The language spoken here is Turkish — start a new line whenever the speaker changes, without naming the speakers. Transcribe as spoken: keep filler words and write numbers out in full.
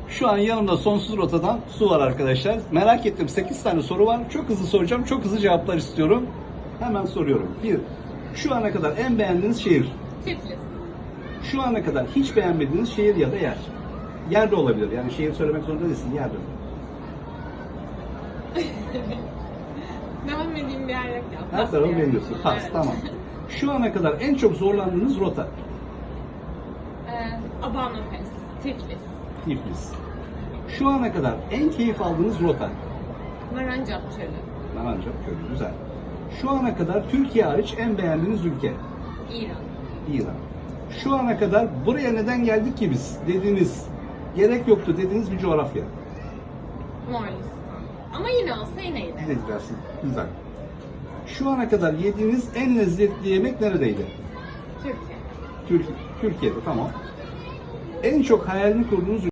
Şu an yanımda Sonsuz Rota'dan Su var arkadaşlar. Merak ettim, sekiz tane soru var. Çok hızlı soracağım, çok hızlı cevaplar istiyorum. Hemen soruyorum. bir. Şu ana kadar en beğendiğiniz şehir?
Tiflis.
Şu ana kadar hiç beğenmediğiniz şehir ya da yer? Yer de olabilir. Yani şehir söylemek zorunda değilsin, yer de.
Beğenmediğim bir yer yok ya.
Her
Pas
tarafı
diyorum.
beğeniyorsun. Pas,
Evet.
tamam. Şu ana kadar en çok zorlandığınız rota?
Ee, Abano Pass. Tiflis.
Tiflis. Şu ana kadar en keyif aldığınız rota?
Narancak Çölü.
Narancak Gölü, güzel. Şu ana kadar Türkiye hariç en beğendiğiniz ülke?
İran.
İran. Şu ana kadar buraya neden geldik ki biz dediğiniz, gerek yoktu dediğiniz bir coğrafya?
Moğolistan. Ama yine olsa yine giderim.
Direkt dersin. Güzel. Şu ana kadar yediğiniz en lezzetli yemek neredeydi?
Türkiye.
Türk Türkiye'de, tamam. En çok hayalini kurduğunuz